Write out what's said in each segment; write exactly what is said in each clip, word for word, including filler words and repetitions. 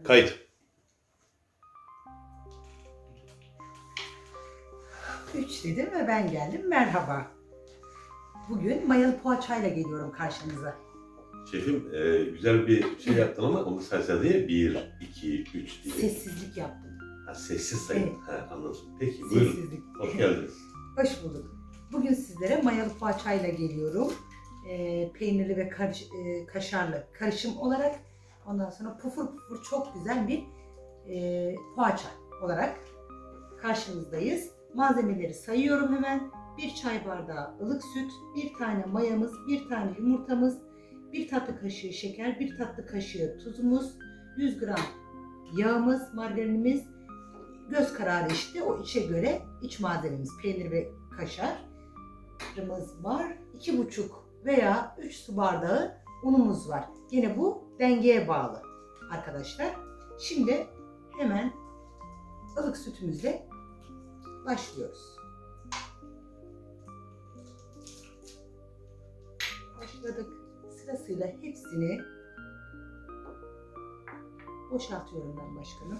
Kayıt. Üç dedim ve ben geldim. Merhaba. Bugün mayalı poğaçayla geliyorum karşınıza. Şefim e, güzel bir şey yaptın ama onu saysa diye bir, iki, üç diye. Sessizlik yaptım. Ha, sessiz sayın. Evet. Ha, anladım. Peki buyurun. Sessizlik. Hoş geldiniz. Hoş bulduk. Bugün sizlere mayalı poğaçayla geliyorum. Ee, peynirli ve karış, e, kaşarlı karışım olarak. Ondan sonra pufur pufur çok güzel bir e, poğaça olarak karşınızdayız. Malzemeleri sayıyorum hemen. Bir çay bardağı ılık süt, bir tane mayamız, bir tane yumurtamız, bir tatlı kaşığı şeker, bir tatlı kaşığı tuzumuz, yüz gram yağımız, margarinimiz, göz kararı işte o içe göre iç malzememiz peynir ve kaşarımız var. iki buçuk veya üç su bardağı unumuz var. Yine bu dengeye bağlı arkadaşlar. Şimdi hemen ılık sütümüzle başlıyoruz. Başladık. Sırasıyla hepsini boşaltıyorum ben başkanım.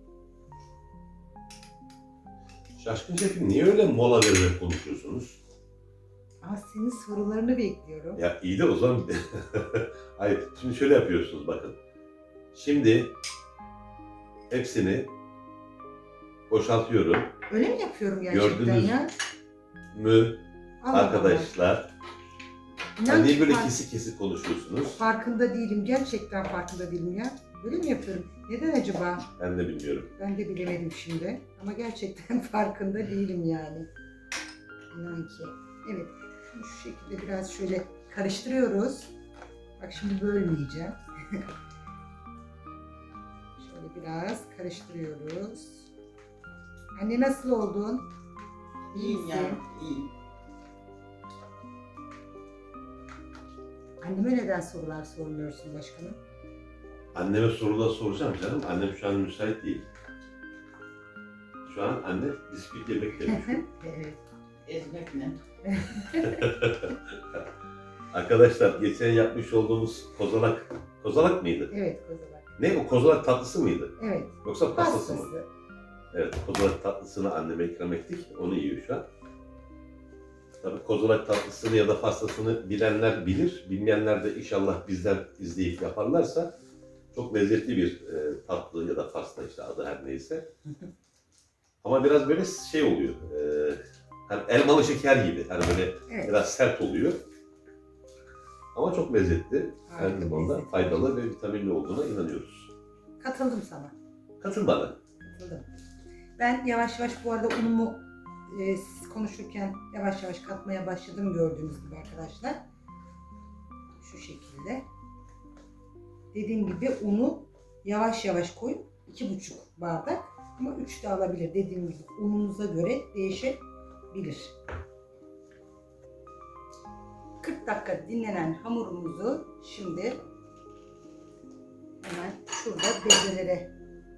Şaşkın şefim niye öyle mola vererek konuşuyorsunuz? Ama senin sorularını bekliyorum. Ya iyi de o zaman... Hayır, şimdi şöyle yapıyorsunuz bakın. Şimdi hepsini boşaltıyorum. Öyle mi yapıyorum gerçekten Gördünüz ya? mü Allah arkadaşlar? Allah. Yani İnan niye ki böyle fark- kesik kesik konuşuyorsunuz? Farkında değilim. Gerçekten farkında değilim ya. Öyle mi yapıyorum? Neden acaba? Ben de bilmiyorum. Ben de bilemedim şimdi. Ama gerçekten farkında değilim yani. İnan ki. Evet. Şu şekilde biraz şöyle karıştırıyoruz. Bak şimdi bölmeyeceğim. Şöyle biraz karıştırıyoruz. Anne nasıl oldun? İyiyim yani, iyiyim. Anneme neden sorular sormuyorsun başkanım? Anneme sorular soracağım canım. Annem şu an müsait değil. Şu an anne bisküvi yemek yemiş. Evet. Ezmekle. Arkadaşlar geçen yapmış olduğumuz kozalak, kozalak mıydı? Evet kozalak. Ne o kozalak tatlısı mıydı? Evet. Yoksa pastası mı? Pastası. Evet, kozalak tatlısını anneme ikram ettik. Onu yiyor şu an. Tabii kozalak tatlısını ya da pastasını bilenler bilir. Bilmeyenler de inşallah bizden izleyip yaparlarsa çok lezzetli bir e, tatlı ya da pasta işte adı her neyse. Ama biraz böyle şey oluyor. E, hani elmalı şeker gibi. Hani böyle Evet. biraz sert oluyor. Ama çok lezzetli. Harika Her konuda lezzetli. faydalı ve vitaminli olduğuna inanıyoruz. Katıldım sana. Katıl bana. Katıldım. Ben yavaş yavaş bu arada unumu e, siz konuşurken yavaş yavaş katmaya başladım gördüğünüz gibi arkadaşlar. Şu şekilde. Dediğim gibi unu yavaş yavaş koyup iki buçuk bardak ama üç de alabilir. Dediğim gibi ununuza göre değişebilir. kırk dakika dinlenen hamurumuzu şimdi hemen şurada bezelere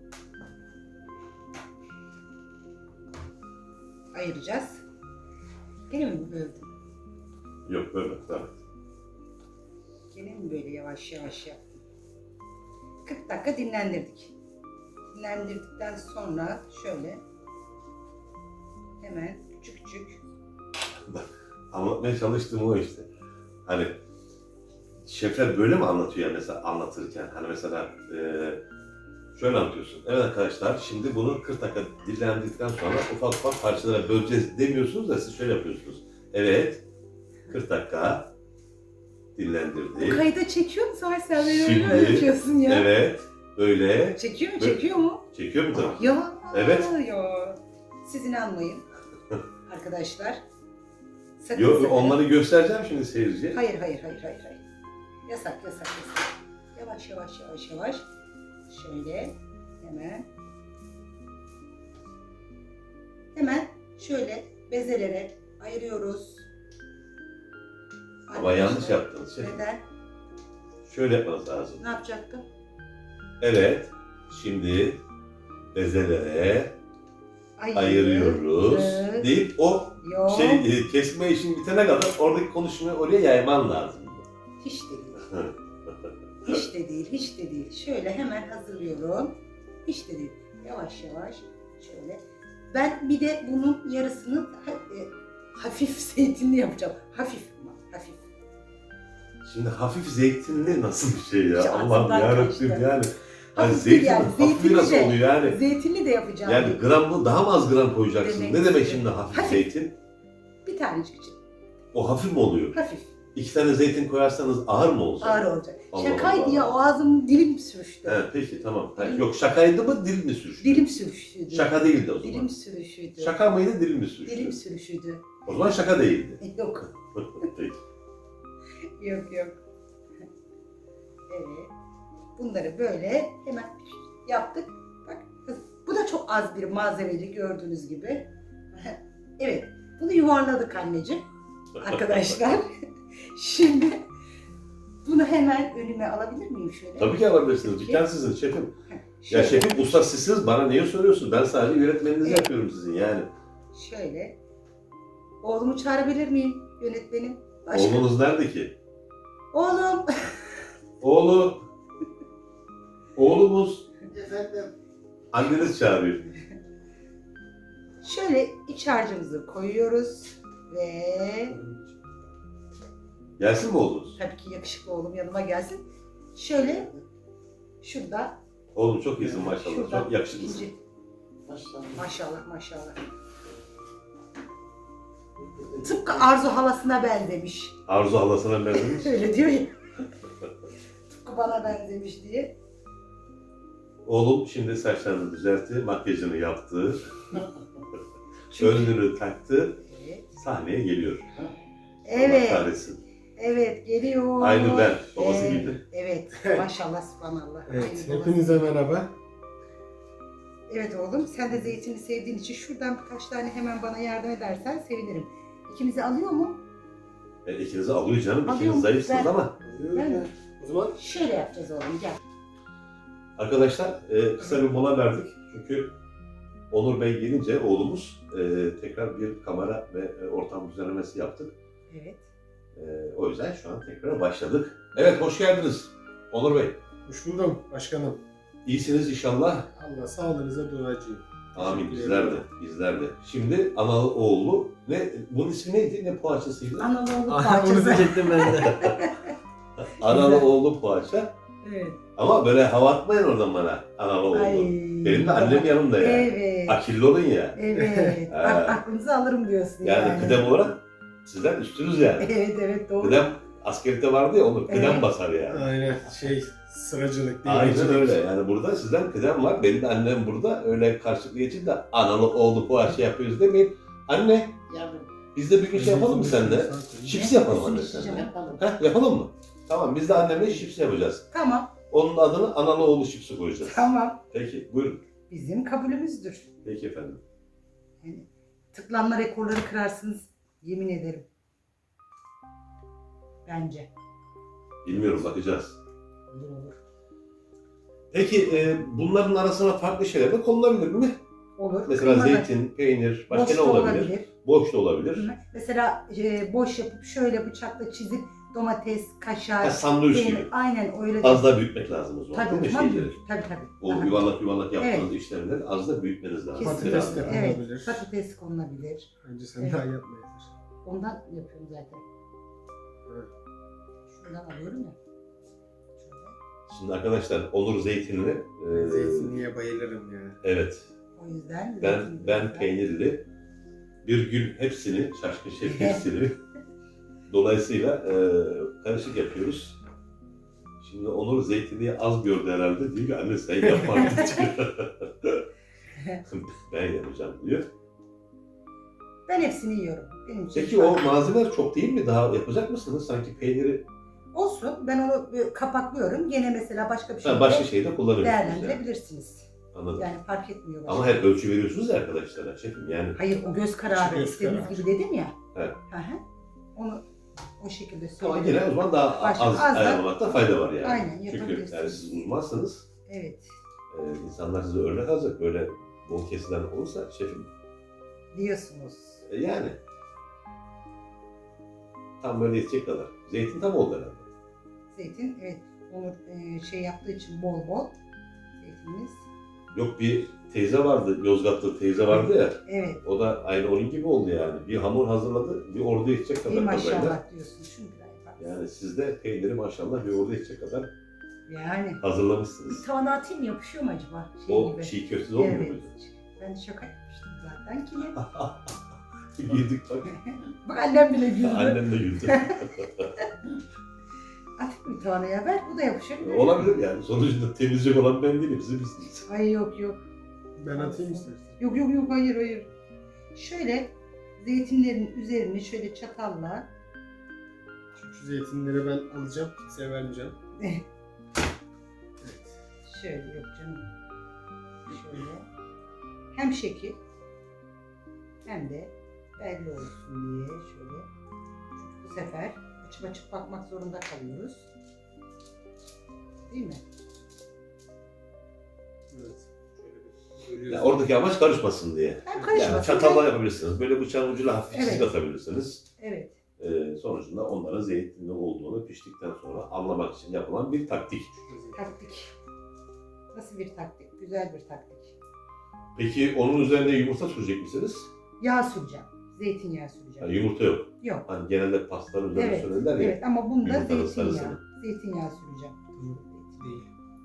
ayıracağız. Gene mi böldüm? Yok böyle. Evet. Gene mi böyle yavaş yavaş yaptım? kırk dakika dinlendirdik. Dinlendirdikten sonra şöyle hemen küçük küçük Anlatmaya çalıştığım o işte. Hani şefler böyle mi anlatıyor ya mesela anlatırken? Hani mesela e, şöyle anlatıyorsun. Evet arkadaşlar şimdi bunu kırk dakika dinlendirdikten sonra ufak ufak parçalara böleceğiz demiyorsunuz da siz şöyle yapıyorsunuz. Evet kırk dakika bu dinlendirdik. kayda çekiyor mu? Sonra sen beni Şimdi, öyle yapıyorsun ya. Evet böyle. Çekiyor mu? Böyle- Çekiyor mu? Çekiyor mu tabii? Ya. Evet. Ya. Siz inanmayın arkadaşlar. Sakın Yo, sakın. onları göstereceğim şimdi seyirciye. Hayır hayır hayır hayır hayır. Yasak yasak yasak. Yavaş yavaş yavaş yavaş. Şöyle hemen. Hemen şöyle bezelere ayırıyoruz. Ama yanlış yaptınız şef. Neden? Şöyle yapmanız lazım. Ne yapacaktım? Evet şimdi bezelere Ayır- ayırıyoruz Evet. deyip o Yok. şey e, kesme işin bitene kadar oradaki konuşmayı oraya yayman lazım. Hiç değil. Hiç de değil, hiç de değil. Şöyle hemen hazırlıyorum. Hiç de değil. Yavaş yavaş şöyle. Ben bir de bunun yarısını ha- e, hafif zeytinli yapacağım. Hafif ama hafif. Şimdi hafif zeytinli nasıl bir şey ya? İşte Allah'ım ağzımdan yarabbim kaçtı. yani. Yani Hafif zeytin yani, hafifi zeytinli nasıl de. oluyor yani? Zeytinli de yapacağım. Yani gramı daha mı az gram koyacaksın? Demek ne demek istedim. şimdi hafif Hafif. zeytin? Bir tanecik için. O hafif mi oluyor? Hafif. İki tane zeytin koyarsanız ağır mı olacak? Ağır olacak. Allah Şakaydı Allah. ya, o ağzım dilim sürüştü. He, peki tamam. Ha, yok şakaydı mı dil mi sürüştü? Dilim sürüşüydü. Şaka değildi o zaman. Dilim sürüşüydü. Şaka mıydı dil mi sürüştü? Dilim sürüşüydü. O zaman şaka değildi. Yok. Peki. Yok yok. Evet. Bunları böyle hemen yaptık. Bak bu da çok az bir malzemeli gördüğünüz gibi. Evet. Bunu yuvarladık anneciğim. Arkadaşlar. Şimdi bunu hemen önüme alabilir miyim şöyle? Tabii ki alabilirsiniz. Dükkan sizin şefim. Ya şefim usta sizsiniz. Bana niye soruyorsun? Ben sadece yönetmeninizi Evet. yapıyorum sizin yani. Şöyle. Oğlumu çağırabilir miyim yönetmenim? Başka. Oğlunuz nerede ki? Oğlum. Oğlu. Oğlumuz. Efendim. Anneniz çağırıyor. Şöyle iç harcımızı koyuyoruz ve Gelsin mi oğlunuz? tabii ki yakışıklı oğlum yanıma gelsin. Şöyle şurada, Oğlum çok iyisin maşallah. şurada Çok yakışıklısın. ikinci. Maşallah. Maşallah maşallah. Tıpkı Arzu halasına benzemiş. Arzu halasına benzemiş. Öyle diyor ya. Tıpkı bana benzemiş diye. Oğlum şimdi saçlarını düzeltti, makyajını yaptı, Çünkü- önlüğünü taktı, Evet. sahneye geliyor. Allah Evet. kahretsin. Evet geliyor. Aynı ben, babası Evet, gibi. Evet. Maşallah subhanallah. Evet, Aynı babası. hepinize merhaba. Evet oğlum, sen de zeytini sevdiğin için şuradan birkaç tane hemen bana yardım edersen sevinirim. İkimizi alıyor mu? E, ikinizi alıyor canım, Alıyor ikiniz mu? zayıfsınız Ben- ama. Ben- O zaman Şöyle yapacağız oğlum, gel. Arkadaşlar e, kısa bir mola verdik. Çünkü Onur Bey gelince oğlumuz e, tekrar bir kamera ve e, ortam düzenlemesi yaptık. Evet. E, o yüzden şu an tekrar başladık. Evet, hoş geldiniz Onur Bey. hoş buldum başkanım. İyisiniz inşallah. Allah sağlığınıza duacıyım. Amin, Teşekkür bizler de, ederim. bizler de. Şimdi analı oğullu, ne, bunun ismi neydi, ne poğaçasıydı? Analı oğlu Onu parçası. diyecektim ben de. Analı oğullu poğaça. Evet. Ama böyle hava atmayın oradan bana, analı oğullu. Ay. Benim de annem yanımda ya. Evet. Akilli olun ya. Evet. Ha. Bak aklınızı alırım diyorsun Yani, yani. kıdem olarak sizden üstünüz yani. Evet evet doğru. Kıdem askerlikte vardı ya, onu kıdem Evet. basar yani. Aynen şey sıracılık Aynen devrecilik. öyle. Yani burada sizden kıdem var. Benim de annem burada. Öyle karşılıklı geçin de analı oğlu poğaça yapıyoruz demeyin. Anne, Yavrum. biz de bir gün şey yapalım mı seninle? Şips yapalım anne Şips seninle. Yapalım. Heh, yapalım mı? Tamam, biz de annemle şips yapacağız. Tamam. Onun adını analı oğlu şipsi koyacağız. Tamam. Peki, buyurun. Bizim kabulümüzdür. Peki efendim. Yani tıklanma rekorları kırarsınız. Yemin ederim. Bence. Bilmiyorum, bakacağız. Olur olur. Peki, e, bunların arasına farklı şeyler de konulabilir mi? Olur. Mesela Kıymalı. zeytin, peynir, başka Boş ne da olabilir? Boş da olabilir. Hı hı. Mesela e, boş yapıp şöyle bıçakla çizip domates, kaşar, Ha, sandviç peynir. gibi. Aynen öyle. Az da büyütmek lazım o zaman, Tabii, değil mi tabii, şeyleri? tabii tabii. O Aha. yuvarlak yuvarlak yaptığınız işlemleri az da büyütmeniz lazım. Kesinlikle. Patates de Evet, konulabilir. patates konulabilir. Önce sen Evet. daha yapmayasın. Ondan yapıyorum zaten. Evet. Şuradan alıyorum ya. Şöyle. Şimdi arkadaşlar, Onur zeytinli. e, Zeytinliğe bayılırım ya. evet. O yüzden Ben zeytin ben biraz- peynirli. Bir gün hepsini, şaşkın şef hepsini. Dolayısıyla e, karışık yapıyoruz. Şimdi Onur zeytinliği az gördü herhalde. Diyor ki anne sen yapma artık. Ben yapacağım diyor. Ben hepsini yiyorum. Benim için Peki fark o malzemeler çok değil mi? Daha yapacak mısınız? Sanki peyniri olsun. Ben onu e, kapaklıyorum. Gene mesela başka bir şey ha, başka şeyde kullanıyorsunuz yani. değerlendirebilirsiniz. Anladım. Yani fark etmiyor. Ama başka. her ölçü veriyorsunuz ya arkadaşlara şefim yani. Hayır o göz kararı Göz istediğiniz kararı. gibi dedim ya. Evet. Hı hı. Onu o şekilde Ama söyleyeyim. yine o zaman daha Başka- az, az da- ayarlamakta fayda var yani. Aynen, Çünkü yapabilirsiniz. yani siz uzmansınız. Evet. Ee, insanlar size örnek alacak. Böyle bol kesilen olursa şefim. Diyorsunuz. E, yani. Tam böyle yetecek kadar. Zeytin tam oldu herhalde. Zeytin evet. Onur e, şey yaptığı için bol bol zeytinimiz. Yok, bir teyze vardı, Yozgatlı teyze vardı ya. Evet. O da aynı onun gibi oldu yani. Bir hamur hazırladı, bir ordu yetecek İyi kadar kadarıyla. maşallah diyorsun. Şunu bir daha yaparsın. Yani siz de peyniri maşallah bir ordu yetecek kadar Yani. hazırlamışsınız. Bir tavana atayım mı, yapışıyor mu acaba? Şey O gibi. çiğ köftesi olmuyor Evet. muydu? Ben de şaka yapmıştım zaten ki. Yedik bak. Bak annem bile güldü. Annem de güldü. Atayım mı tavana ya? Ver, bu da yapışır. Olabilir yani. Sonuçta temizlik olan ben değilim. Siz misiniz? Ay yok yok. Ben atayım istersen. Yok yok yok, hayır hayır. Şöyle zeytinlerin üzerini şöyle çatalla. Şu zeytinleri ben alacağım. Kimseye vermeyeceğim. Şöyle, yok canım. Şöyle. Hem şekil hem de belli olsun diye şöyle. Çünkü bu sefer açıp açıp bakmak zorunda kalıyoruz. Değil mi? Evet. Şöyle bir Yani bölüyoruz. oradaki amaç karışmasın diye. Hem karışmasın. Yani çatalla yapabilirsiniz. Böyle bıçağın ucuyla hafif çizik Evet. atabilirsiniz. Evet. Ee, sonucunda onların zeytinli olduğunu piştikten sonra anlamak için yapılan bir taktik. Taktik. Nasıl bir taktik? Güzel bir taktik. Peki onun üzerine yumurta sürecek misiniz? Yağ süreceğim. Zeytinyağı süreceğim. Yani yumurta yok. Yok. Hani genelde pastanın üzerine Evet. sürerler ya. Evet ama bunda Yumurtanın zeytinyağı. sarısını. Zeytinyağı süreceğim. Değil.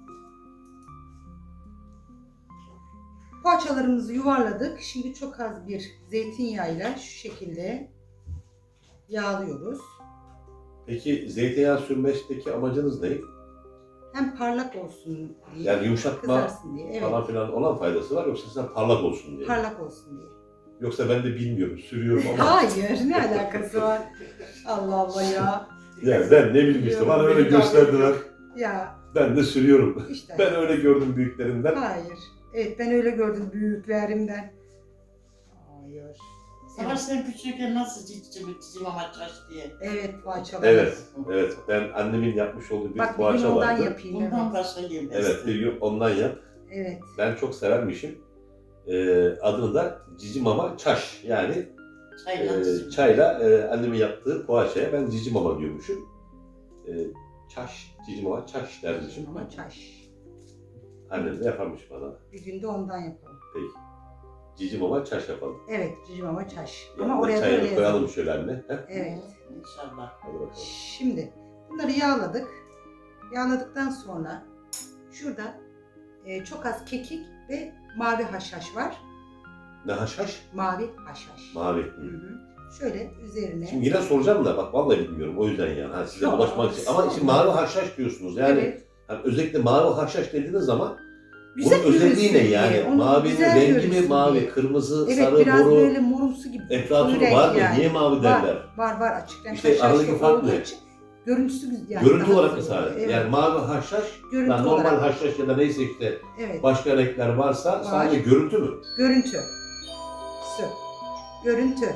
Poğaçalarımızı yuvarladık. Şimdi çok az bir zeytinyağıyla şu şekilde yağlıyoruz. Peki zeytinyağı sürmekteki amacınız ne? Hem parlak olsun diye, Yani yumuşatma kızarsın diye. Evet. falan filan olan faydası var, yoksa sen parlak olsun diye. Parlak olsun diye. Yoksa ben de bilmiyorum, sürüyorum ama. Hayır, ne alakası var? Allah Allah ya. Yani ben ne bileyim işte, bana öyle gösterdiler. Ya Ben de sürüyorum. işte. Ben öyle gördüm büyüklerinden. Hayır. Evet, ben öyle gördüm büyüklerimden. Hayır. Savaş sen küçükken nasıl cicim cicim ama çaş diye. Evet, poğaçalar. Evet, evet. Ben annemin yapmış olduğu bir Bak bir gün poğaça ondan vardı. yapayım. Bundan Evet. başka gelmez. Evet, bir gün ondan yap. Evet. Ben çok severmişim. Ee, adını da Cici Mama Çaş. Yani Çayla e, cicim. çayla e, annemin yaptığı poğaçaya ben Cici Mama diyormuşum. E, Çaş, Cici Mama Çaş dermişim. Ama çaş. Annem de yaparmış bana. Bir günde ondan yapalım. Peki. Cici Mama Çaş yapalım. Evet, cicim ama çaş. Ama Yanına oraya da çayını öyle koyalım yazalım. şöyle anne. He? Evet. İnşallah. Hadi bakalım. Şimdi bunları yağladık. Yağladıktan sonra şurada e, çok az kekik ve mavi haşhaş var. Ne haşhaş? Mavi haşhaş. Mavi. Hı hı. Şöyle üzerine. Şimdi yine soracağım da bak vallahi bilmiyorum, o yüzden yani. Ha, size Yok, bulaşmak için. Ama şimdi sorma. mavi haşhaş diyorsunuz. Yani evet. hani özellikle mavi haşhaş dediğiniz zaman Güzel bunun özelliği ne görünsün yani? diye, onu Mavi güzel rengi mi görünsün mavi, diye. kırmızı, Evet, sarı, biraz boru, böyle morumsu gibi. eflatun koyu renk var mı? yani. Niye mavi derler? Var var açık renk İşte haşhaşlı aradaki fark olduğu ne? için görüntüsü güzel. Yani Görüntü daha olarak mı güzel oluyor. sadece? Evet. Yani mavi haşhaş, Görüntü yani normal olarak. haşhaş ya da neyse işte Evet. başka renkler varsa Var. sadece görüntü mü? Görüntü. Sü. Görüntü.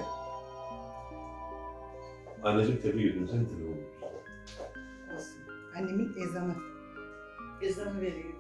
Anneciğim tebrik ediyorum, seni tebrik ediyorum. Olsun. Annemin ezanı. Ezanı veriyor.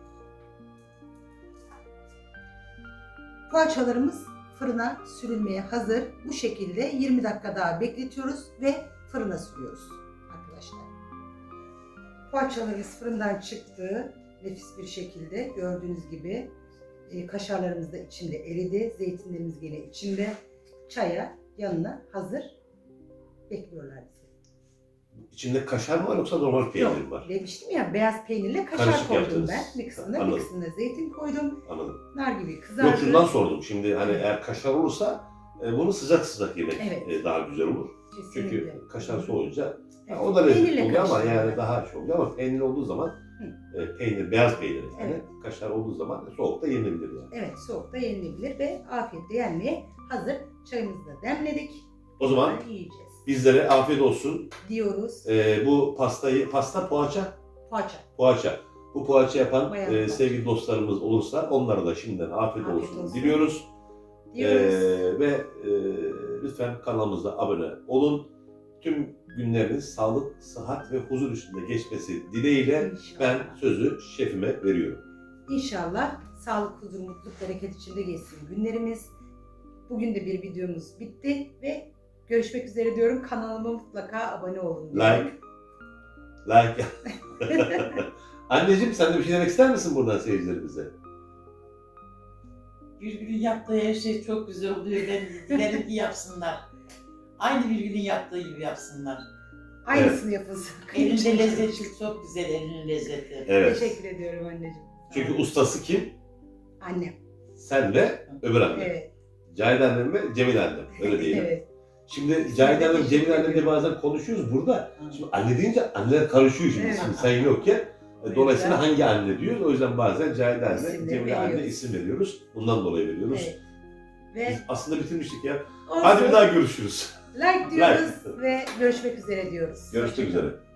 Poğaçalarımız fırına sürülmeye hazır. Bu şekilde yirmi dakika daha bekletiyoruz ve fırına sürüyoruz arkadaşlar. Poğaçalarımız fırından çıktı. Nefis bir şekilde gördüğünüz gibi e, kaşarlarımız da içinde eridi. Zeytinlerimiz yine içinde. Çaya yanına hazır. Bekliyorlar bizi. İçinde kaşar mı var yoksa normal peynir mi var? Demiştim ya, beyaz peynirle kaşar Karışık koydum yaptınız. ben. Bir kısmına, bir Anladım. kısmına zeytin koydum. Anladım. Nar gibi kızardı. Yok, şundan sordum. Şimdi hani eğer kaşar olursa e, bunu sıcak sıcak yemek Evet. e, daha güzel olur. Kesinlikle. Çünkü kaşar soğuyunca Evet. o da lezzetli Peynirle oluyor ama karıştırıyorum yani ben. daha şey oluyor, ama peynir olduğu zaman e, peynir, beyaz peynir yani Evet. kaşar olduğu zaman soğukta yenilebilir yani. Evet, soğukta yenilebilir ve afiyetle yenmeye hazır. Çayımızı da demledik. O zaman Yiyeceğiz bizlere afiyet olsun. diyoruz. E, bu pastayı, pasta poğaça, Poğaça. poğaça. Bu poğaça yapan Bayağı e, poğaça. sevgili dostlarımız olursa onlara da şimdiden afiyet, Afiyet olsun, olsun. diliyoruz. Diyoruz. E, ve e, lütfen kanalımıza abone olun. Tüm günleriniz sağlık, sıhhat ve huzur içinde geçmesi dileğiyle İnşallah. ben sözü şefime veriyorum. İnşallah sağlık, huzur, mutluluk, bereket içinde geçsin günlerimiz. Bugün de bir videomuz bitti ve görüşmek üzere diyorum. Kanalıma mutlaka abone olun diyorum. Like, like Anneciğim sen de bir şey demek ister misin buradan seyircilerimize? Birgül'ün yaptığı her şey çok güzel oluyor. Ben dilerim ki yapsınlar. Aynı Birgül'ün yaptığı gibi yapsınlar. Aynısını yapılsın. Elinde lezzeti çok güzel, elinin lezzeti. Evet. Teşekkür ediyorum anneciğim. Çünkü ustası kim? Annem. Sen ve öbür annem. Evet. Cahide annem ve Cemil annem. Öyle diyelim. Evet. Şimdi Cahide annem, Cemil annemle bazen konuşuyoruz burada. Şimdi anne deyince anneler karışıyor şimdi. Evet. Şimdi sen yokken. Dolayısıyla hangi anne diyoruz? O yüzden bazen Cahide anne, İsimleri Cemile anne veriyoruz. isim veriyoruz. Bundan dolayı veriyoruz. Evet. Ve Biz aslında bitirmiştik ya. olsun. Hadi bir daha görüşürüz. Like diyoruz ve görüşmek üzere diyoruz. Görüşmek üzere.